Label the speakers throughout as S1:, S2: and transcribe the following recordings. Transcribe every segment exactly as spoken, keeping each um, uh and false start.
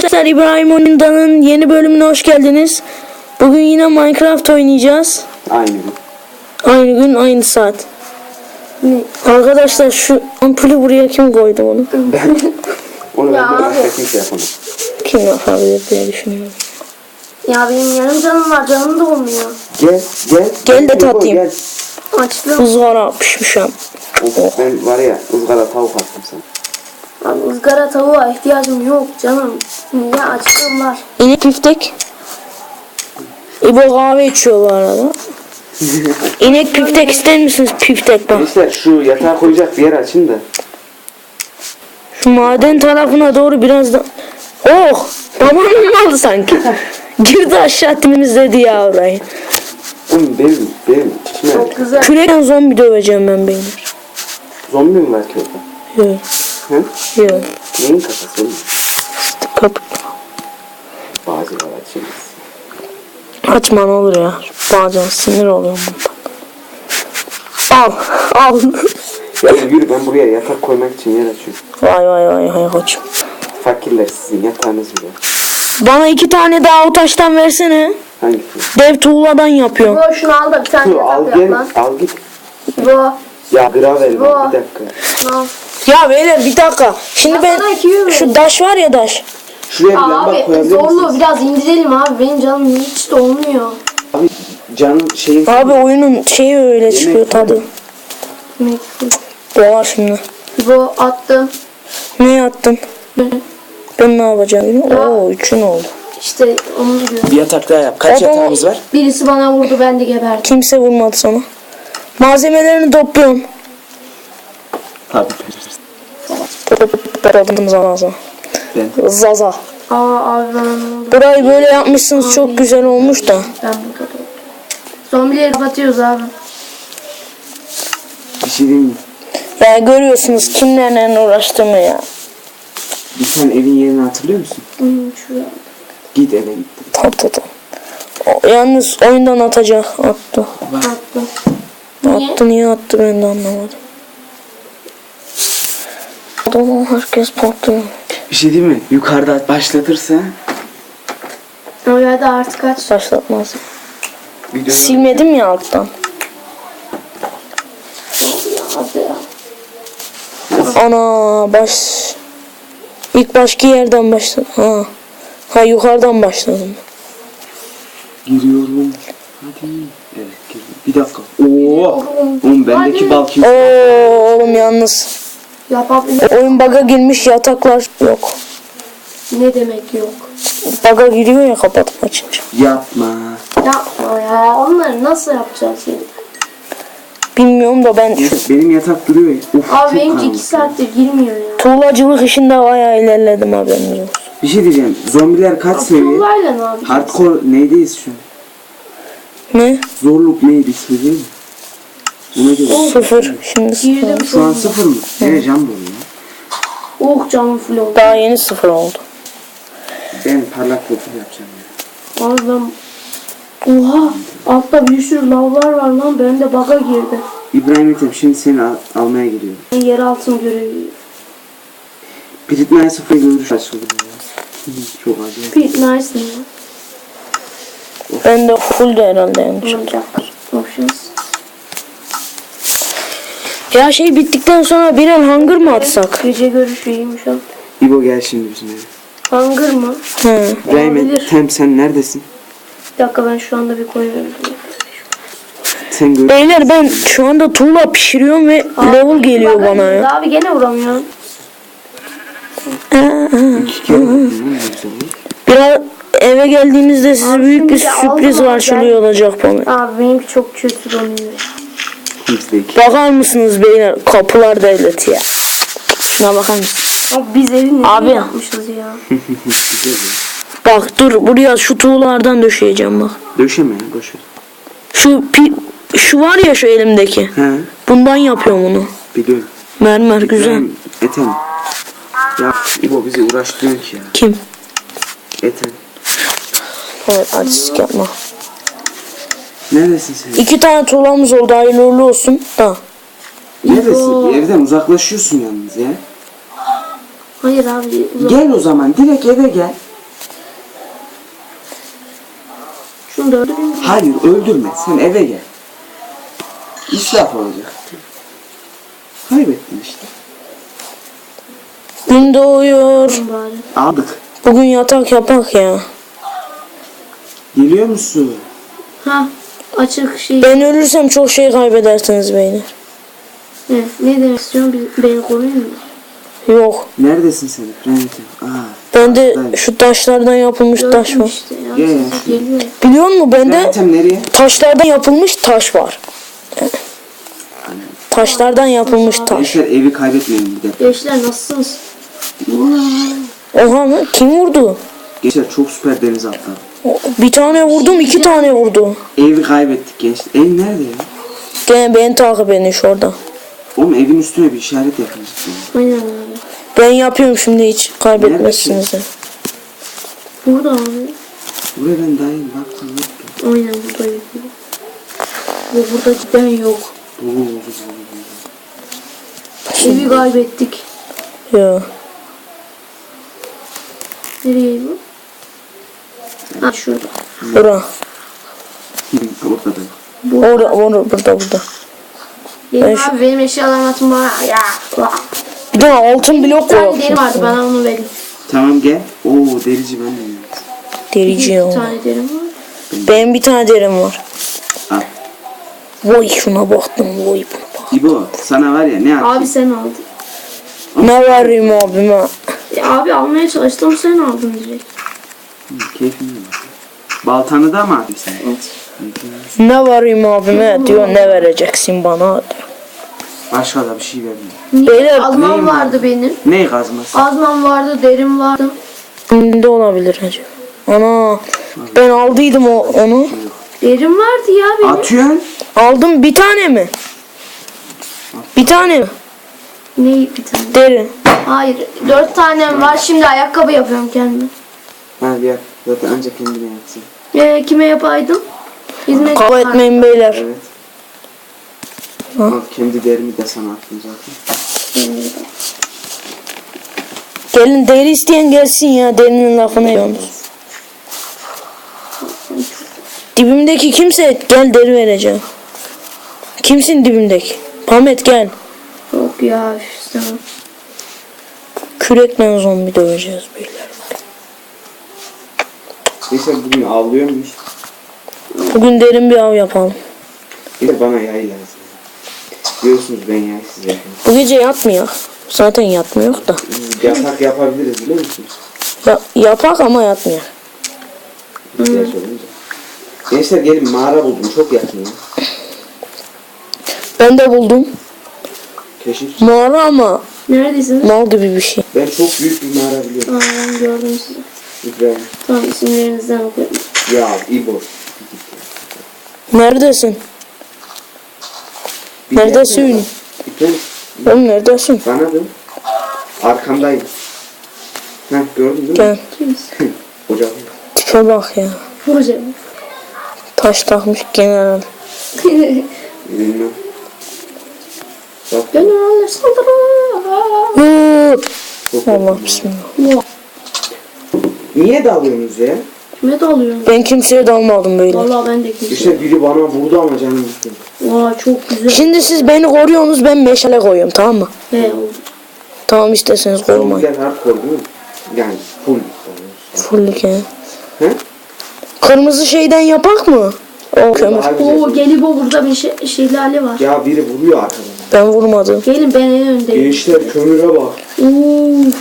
S1: Arkadaşlar, İbrahim Oyundan'ın yeni bölümüne hoş geldiniz. Bugün yine Minecraft oynayacağız.
S2: Aynı gün.
S1: Aynı gün, aynı saat. Ne? Arkadaşlar, şu ampulü buraya kim koydu onu?
S2: Ben. Onu ben de başka kimse yapamaz.
S1: Kim yapabilir diye düşünüyorum.
S3: Ya benim yarım canım var, canım da olmuyor.
S2: Gel, gel.
S1: Gel de tatayım.
S2: Gel.
S3: Açtım.
S1: Izgara pişmişim.
S2: Of, ben var ya ızgara tavuk attım sana.
S3: Abi ızgara tavuğa ihtiyacım yok canım. Niye açtım var.
S1: İnek piftek. İbo kahve içiyor bu arada. İnek piftek ister misiniz? Piftek bak.
S2: Gençler şu yatağı koyacak bir yer açın da.
S1: Şu maden tarafına doğru biraz da... Oh! Babam mı aldı sanki? Girdi aşağı temizledi ya orayı.
S2: Oğlum benim, benim içime
S3: Çok güzel.
S1: Kürekten zombi döveceğim ben beyler.
S2: zombi mi var ki orada?
S1: Yok.
S2: Hı?
S1: Yok.
S2: Neyin kafası oğlum?
S1: Kapı.
S2: Bazıları açılmaz.
S1: Açma ne olur ya. Bazen sinir oluyorum bundan. Al. Al.
S2: Ya yürü, ben buraya yatak koymak için yer açıyorum.
S1: Vay vay vay hay koçum.
S2: Fakirler sizin yatağınız bile.
S1: Bana iki tane daha o taştan versene.
S2: Hangisi?
S1: Dev tuğladan yapıyorum.
S3: Bu şunu al da bir tane
S2: Dur, al
S3: yatak
S2: gel,
S3: yap lan.
S2: al git.
S3: Bu.
S2: Ya gravel
S3: Bu.
S2: bir dakika.
S3: Al.
S1: Ya beyler bir dakika. Şimdi
S3: Ya
S1: ben
S3: sana iki yüz
S1: şu daş var ya daş.
S2: Şuraya bir lamba
S3: Abi
S2: koyabilir
S3: zorlu
S2: misiniz?
S3: biraz indirelim abi. Benim canım hiç de olmuyor.
S2: Abi canım şeyin...
S1: Abi oyunun şeyi öyle çıkıyor tadı.
S3: Mektup.
S1: Doğa şimdi.
S3: Bu attım.
S1: Ne attın?
S3: Hı.
S1: Ben ne yapacağım? Oo üçün oldu.
S3: İşte onu diyorum.
S2: Bir yatak daha yap. Kaç
S1: O da-
S2: yatağımız var?
S3: Birisi bana vurdu, ben de geberdim.
S1: Kimse vurmadı sana. Malzemelerini topluyorum.
S2: Tabii.
S1: Topladım zaza.
S2: Ben.
S1: Zaza.
S3: Aa abi bana ne oldu?
S1: Burayı böyle yapmışsınız, çok güzel olmuş da.
S3: Ben burada da. Zombileri kapatıyoruz abi.
S2: Bir şey diyeyim mi?
S1: Ya görüyorsunuz kimlerle uğraştığımı ya.
S2: Bir sen evin yerini hatırlıyor musun?
S3: Hı, şuraya.
S2: Git eve git.
S1: Tamam tamam. O, yalnız oyundan atacak. Attı.
S3: Attım. Niye?
S1: Attı niye attı ben de anlamadım. Adamı herkes patlıyor.
S2: Bir şey diyeyim mi? Yukarıda başlatırsa
S3: Öyle de artık kaç.
S1: Başlatmaz.
S2: video
S1: Silmedim ya alttan.
S3: Hadi ya.
S1: Ana baş... İlk başka yerden başladım. Ha. Ha yukarıdan başladım.
S2: giriyorum. Hadi. Evet girdim. Bir dakika. Oo. Oğlum bendeki bal kim?
S1: Oo oğlum yalnız.
S3: Yapabilir.
S1: Oyun bug'a girmiş, yataklar yok.
S3: Ne demek yok?
S1: Bug'a giriyor ya kapatıp açınca.
S2: Yapma.
S3: Yapma ya. Onları nasıl yapacağız şimdi?
S1: Bilmiyorum da ben şu
S2: Benim yatak duruyor ya. Of,
S3: Abi
S2: çok
S3: benimki
S2: karanlık.
S3: iki saattir girmiyor ya.
S1: tuğlacılık işinde bayağı ilerledim haberiniz olsun.
S2: Bir şey diyeceğim. Zombiler kaç seviye?
S3: Tuğlayla ne yapacağız?
S2: Hardcore neydeyiz şu an?
S1: Ne?
S2: Zorluk neydi ismi değil mi? Buna göre.
S1: Sıfır. Şimdi sıfır.
S3: Girdim
S2: Şu an
S3: sonunda.
S2: sıfır mı? Ne can dolu ya?
S3: Oh canım full oldu.
S1: Daha yeni sıfır oldu.
S2: Ben parlak profil yapacağım ya.
S3: Abi ben... Oha! Altta bir sürü lavlar var lan. Ben de bug'a girdi.
S2: İbrahim Ethem şimdi seni al- almaya geliyorum.
S3: Yer altın görevi.
S2: Pritmaya sıfır görüş açıldı ya. Çok acayip.
S3: Pit nice ne ya?
S1: Ben de full de herhalde yanlış.
S3: Olacak. Options.
S1: Ya şey bittikten sonra birer hunger mı atsak?
S3: Gece görüşü iyiymiş o.
S2: İbo gel şimdi bizim eve.
S3: Hunger mı?
S1: He.
S2: İbrahim
S3: Olabilir.
S2: Ethem sen neredesin?
S3: Bir dakika ben şu anda bir koyuyorum.
S2: Sen gör.
S1: Beyler ben şu anda tuğla pişiriyorum ve level geliyor
S3: Bug'a
S1: bana
S3: girdi
S1: ya.
S3: Abi gene vuramıyorum.
S2: İki kere vurdun lan, ne güzel oldu.
S1: Biraz eve geldiğinizde size
S3: Abi
S1: büyük bir
S3: şimdi
S1: sürpriz
S3: aldım
S1: karşılıyor olacak bana.
S3: Abi benimki çok kötü donuyor.
S2: Bizde iki.
S1: Bakar mısınız beyler? Kapılar devleti ya. Şuna bakar mısın?
S3: Abi biz evi ne
S1: Abi.
S3: yapmışız ya?
S2: Güzel ya.
S1: Bak dur buraya şu tuğlardan döşeyeceğim bak.
S2: Döşeme ya boş ver.
S1: Şu pi, şu var ya şu elimdeki.
S2: He
S1: Bundan yapıyorum onu.
S2: biliyorum.
S1: Mermer güzel.
S2: İbrahim Ethem. Ya İbo bizi uğraştırıyor ki ya.
S1: Kim?
S2: Ethem.
S1: Evet artistik yapma.
S2: Neredesin sen?
S1: İki tane tuğlamız oldu, hayırlı uğurlu olsun. Da.
S2: Neredesin? Evden uzaklaşıyorsun yalnız ya.
S3: Hayır abi. uzak-
S2: Gel o zaman direkt eve gel.
S3: şunu da öldüreyim.
S2: Hayır öldürme. Sen eve gel. İsraf olacak. Kaybettin işte.
S1: Gün doğuyor.
S3: Bari.
S2: Aldık.
S1: Bugün yatak yapak ya.
S2: Geliyor musun?
S3: Ha açık şey.
S1: Ben ölürsem çok şey kaybedersiniz beyler.
S3: Ne, ne demek istiyorsun? Bir- Beni koruyun mu?
S1: Yok.
S2: Neredesin sen? Rennetim. Aa.
S1: Bende
S2: Ben-
S1: şu taşlardan yapılmış taş
S3: Gördüm
S1: var.
S3: işte ya.
S2: Gel ya.
S3: Sesi geliyor.
S1: Biliyor musun bende
S2: Rennetim nereye?
S1: taşlardan yapılmış taş var. Taşlardan yapılmış taş.
S2: Gençler evi kaybetmeyin bir de.
S3: Gençler nasılsınız?
S1: Oha mı? Kim vurdu?
S2: Gençler çok süper deniz atladı.
S1: O- Bir tane vurdum, iki tane vurdu.
S2: Evi kaybettik gençler. Ev nerede ya?
S1: Gene beni takip edin şurada.
S2: Oğlum evin üstüne bir işaret yapın cidden.
S3: Aynen abi.
S1: Ben yapıyorum şimdi, hiç kaybetmezsiniz de.
S3: Burada abi.
S2: Buraya ben dayım baktım yoktu.
S3: Aynen burada yok. Ve burada cidden yok.
S2: Dolu dolu dolu dolu.
S3: Evi kaybettik.
S1: Ya.
S3: Nereye bu? Ha şurada.
S1: Bura.
S2: Orada da.
S3: Bu.
S1: Orada, orada, burada, burada.
S3: Benim
S1: şu-
S3: abi benim eşyalarımı atın bana. Ya. Vah.
S1: Bir de altın blok
S3: Bir tane
S1: koyuyor.
S3: deri vardı bana onu verin.
S2: Tamam gel. Oo derici ben de yiyorum.
S1: Derici
S3: Bir
S1: ya.
S3: tane derim var.
S1: Benim bir tane derim var.
S2: Al.
S1: Vay şuna baktım, vay buna bak.
S2: İbo sana var ya ne
S3: Abi
S2: yapayım?
S3: sen aldın.
S1: Ne vereyim abime?
S3: Ya abi almaya çalıştım sen aldın direkt.
S2: Hı, keyfine bak. Baltanı da mı aldın sen?
S3: Evet.
S1: Ne vereyim abime diyor, ne vereceksin bana diyor.
S2: Başka da bir şey vermiyor.
S1: Beyler
S3: Azmam
S2: neyim
S3: vardı benim.
S2: Ne kazması?
S3: Azmam vardı, derim vardı.
S1: ne olabilir acaba? Ana ben aldıydım o, onu.
S3: Derim vardı ya benim.
S2: Atıyorsun.
S1: Aldım bir tane mi? Bir tane mi?
S3: Ne bir tane?
S1: Deri.
S3: Hayır, dört tanem var. Şimdi ayakkabı yapıyorum kendime.
S2: Ha bir yap. Zaten ancak kendine yapsın.
S3: Ee, kime yapaydım? Hizmet
S1: Kavga etmeyin beyler.
S2: Evet. Al, kendi derimi de sana attım zaten.
S1: Gelin deri isteyen gelsin ya, derinin lafını yiyorsunuz. Dibimdeki kimse gel deri vereceğim. Kimsin dibimdeki? Pamet gel.
S3: Yok ya, üf, istemem.
S1: Kürekle zombi döveceğiz beyler.
S2: Neyse bugün avlıyormuş.
S1: Bugün derin bir av yapalım.
S2: Bir de bana yay lazım. Biliyorsunuz ben yaysız yapıyorum.
S1: Bu gece yatmıyor. Zaten yatmıyor da.
S2: Biz yatak yapabiliriz biliyor musunuz?
S1: Ya, yapak ama yatmıyor.
S2: İhtiyaç olunca. Gençler gelin mağara buldum çok yakın ya.
S1: Ben de buldum.
S2: Keşif.
S1: Mağara ama
S3: Neredesiniz?
S1: mal gibi bir şey.
S2: Ben çok büyük bir mağara biliyorum.
S3: Aa, ben gördüm sizi.
S2: İbrahim.
S3: Tamam, isimlerinizden okuyorum.
S2: Ya İbo.
S1: Neredesin?
S2: Bir
S1: Neredesin?
S2: yerde var. İbrahim.
S1: Oğlum neredesin?
S2: Bana dön. Arkamdayım. Heh gördün değil mi?
S1: Gel.
S3: Kimsin?
S2: Hocam.
S1: Tipe bak ya.
S3: Hocam.
S1: Taş takmış general.
S2: Bilmem. Bak.
S3: Generaller saldırı.
S1: Hı.
S2: Çok
S1: Allah
S2: yakın.
S1: bismillah.
S3: Yok.
S2: Niye dalıyorsunuz ya?
S3: Kime dalıyorsun?
S1: Ben kimseye dalmadım böyle.
S3: Vallahi ben de kimse.
S2: İşte biri bana vurdu ama canım gitti.
S3: Vay çok güzel.
S1: Şimdi siz beni koruyorsunuz, ben meşale koyuyorum, tamam mı?
S3: He oldu.
S1: Tamam, isterseniz korumayın.
S2: Güzel hardcore değil mi? Yani full.
S1: Fullük ya.
S2: He?
S1: Kırmızı şeyden yapak mı? O kömür.
S2: Daha güzel.
S3: Oo Gelibo burada bir şey, şelale var.
S2: Ya biri vuruyor arkadan.
S1: Ben vurmadım.
S3: Gelin ben en öndeyim.
S2: Gençler kömüre bak.
S3: Uf.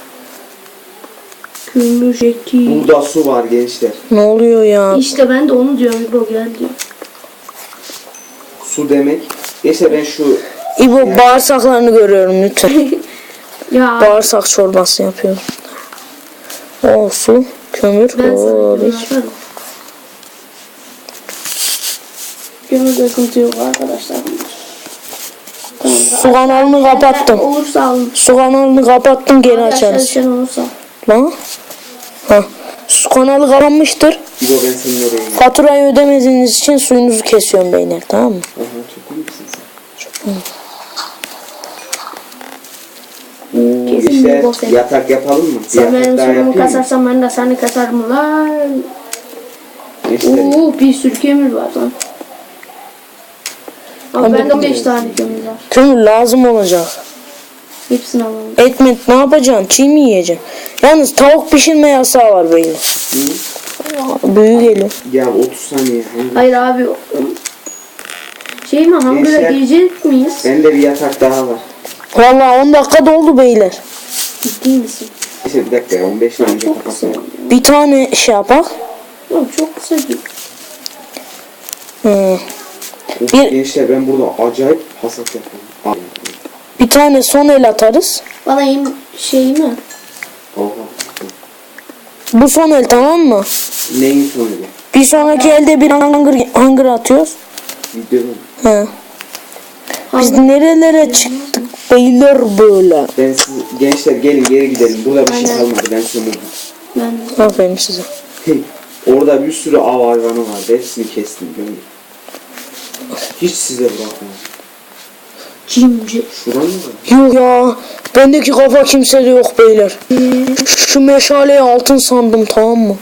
S3: Kömür eti.
S2: Burada su var gençler.
S1: Ne oluyor ya?
S3: İşte ben de onu diyorum İbo gel diyor.
S2: Su demek. Neyse ben şu
S1: İbo bağırsaklarını görüyorum lütfen.
S3: Ya
S1: Bağırsak çorbası yapıyorum. O su, kömür.
S3: ben sana
S1: Oo,
S3: kömür
S1: bir-
S3: atarım. Kömürde sıkıntı yok arkadaşlar. Tamam.
S1: Su kanalını kapattım.
S3: Olursa alın.
S1: Su kanalını kapattım, geri
S3: Arkadaşlar
S1: açarız.
S3: sen olursa.
S1: Lan. Ha. Su kanalı kapanmıştır.
S2: İbo ben senin oraya gidiyorum.
S1: Faturayı ödemediğiniz için suyunuzu kesiyorum beyler, tamam mı?
S2: Aha çok iyi misin sen?
S1: Çok iyi.
S2: Oo,
S3: Kesin
S2: işte
S3: İbo sen.
S2: yatak yapalım mı? Bir
S3: Sen
S2: yatak
S3: benim
S2: daha
S3: sorumu
S2: yapayım mı?
S3: kasarsan ben de seni kasarım lan.
S2: Gençler.
S3: Oo bir sürü kömür var lan. Abi bende beş tane kömür var.
S1: Kömür lazım olacak.
S3: Hepsini alalım.
S1: Etmet ne yapacaksın? Çiğ mi yiyeceksin? Yalnız tavuk pişirme yasağı var böyle.
S2: Hı?
S1: Büyük geliyor.
S2: Ya otuz saniye. Hani.
S3: Hayır abi. Şey mi hangara
S2: Gençler.
S3: girecek miyiz?
S2: Bende bir yatak daha var.
S1: Vallahi on dakika doldu beyler.
S3: Ciddi misin?
S2: Neyse bir dakika ya on beş saniye
S3: Çok kısa.
S2: kapatalım.
S1: Bir tane şey yapak.
S3: Oğlum çok kısa değil.
S1: Hı.
S2: Of,
S1: Bir-
S2: gençler ben burada acayip hasat yapıyorum.
S1: Bir tane son el atarız.
S3: Bana yem şey mi?
S2: Oha.
S1: Bu son el tamam mı?
S2: Neyin sonu bu?
S1: Bir sonraki elde bir hangır, hangır atıyoruz.
S2: Video mu?
S1: He. Biz nerelere çıktık beyler böyle.
S2: Ben siz gençler gelin geri gidelim. Burada bir şey
S3: Aynen.
S2: kalmadı. Ben sömürdüm.
S3: Ben
S1: Aferin size.
S2: Orada bir sürü av hayvanı vardı. Hepsini kestim. Gördüm. Hiç size bırakmadım.
S3: cimci.
S2: Şuran mı var?
S1: Yok ya. Bendeki kafa kimsede yok beyler. Şu meşaleyi altın sandım tamam mı?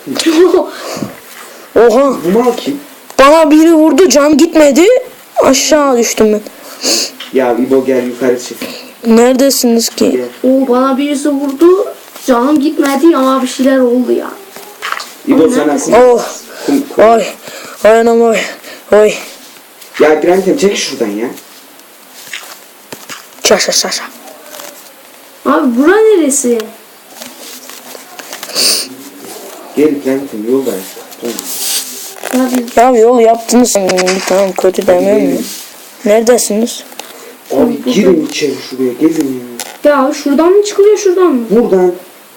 S1: Oha.
S2: Bu mal kim?
S1: Bana biri vurdu can gitmedi. Aşağı düştüm ben.
S2: Ya İbo gel yukarı çık.
S1: Neredesiniz ki?
S2: Gel.
S3: Oo bana birisi vurdu. Canım gitmedi ama bir şeyler oldu ya.
S2: İbo sana kum.
S1: Oh.
S2: kum, kum.
S1: Ay. Ay anam ay. Ay.
S2: Ya Grantem çek şuradan ya.
S1: Çaşa çaşa.
S3: Abi bura neresi?
S2: Gel Grantem yoldayız. Tamam.
S3: Abi
S1: Ya yol yaptınız. Tamam kötü demem mi? Neredesiniz?
S2: Abi girin içeri şuraya gelin ya.
S3: ya şuradan mı çıkılıyor şuradan mı?
S2: Buradan.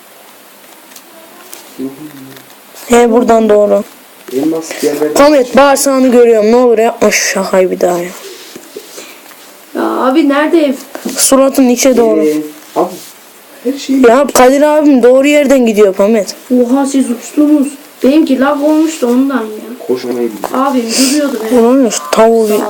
S1: He buradan doğru.
S2: Elmas yerler.
S1: Komet bağırsağını görüyorum. Ne olur yapma şu şakayı bir daha ya.
S3: Ya abi nerede ev?
S1: Suratın içe doğru.
S2: Ee, abi her şey.
S1: Ya Kadir abim doğru yerden gidiyor Komet.
S3: Oha siz uçtunuz. Benimki lag olmuştu ondan ya.
S2: Koşmayı biliyor.
S3: Abim duruyordu ben.
S1: Ulan şu tavuğu bir...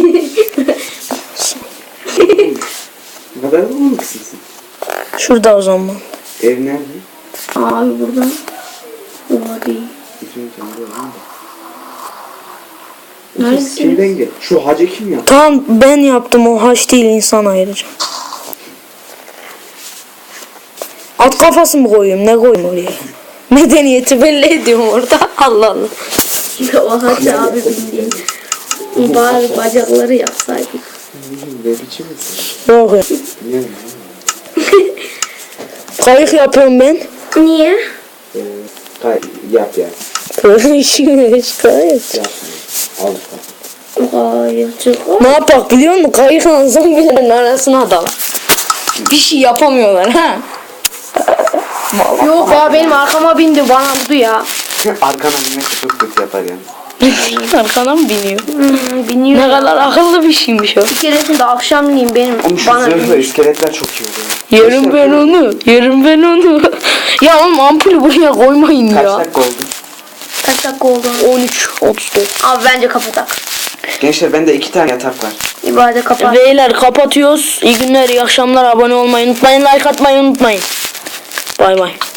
S2: Ne kadar olmaksın sen.
S1: Şurada o zaman.
S2: Ev nerede?
S3: Abi buradan. Oha değil.
S2: Bütün kendi evim de.
S3: Neredesiniz?
S2: Kimden gel? Şu hacı kim ya?
S1: Tamam ben yaptım o haç değil insan ayıracağım. At kafası mı koyayım ne koyayım oraya? Medeniyeti belli ediyorum orada. Allah Allah.
S3: Oha abi bildiğin. Bari bacakları yapsaydık.
S2: Ne biçim insan?
S1: Yok ya.
S2: Ne?
S1: Kayık yapıyorum ben.
S3: Niye?
S2: Ee, kay yap ya.
S1: Böyle işin hiç kayık.
S2: Yap. Al.
S3: Hayır çık.
S1: Ne yapak biliyor musun? Kayıkla zombilerin arasına dalak. Bir şey yapamıyorlar ha.
S3: Yok ya benim arkama bindi bana vurdu ya.
S2: Arkana binmek çok kötü yapar yani.
S1: Arkana mı biniyor?
S3: Hmm, biniyor.
S1: Ne kadar akıllı bir şeymiş o.
S3: Bir keresinde akşamleyin benim
S2: Oğlum şu
S3: bana
S2: zırhlı iskeletler çok iyi oluyor.
S1: Yerim ben onu. Yerim ben onu. Ya oğlum ampulü buraya koymayın
S2: Kaç
S1: ya.
S2: dakika oldu?
S3: kaç dakika oldu?
S1: on üç otuz dört.
S3: Abi bence kapatak.
S2: Gençler bende iki tane yatak var.
S3: İbade kapat.
S1: Beyler kapatıyoruz. İyi günler, iyi akşamlar. Abone olmayı unutmayın. Like atmayı unutmayın. Bay bay.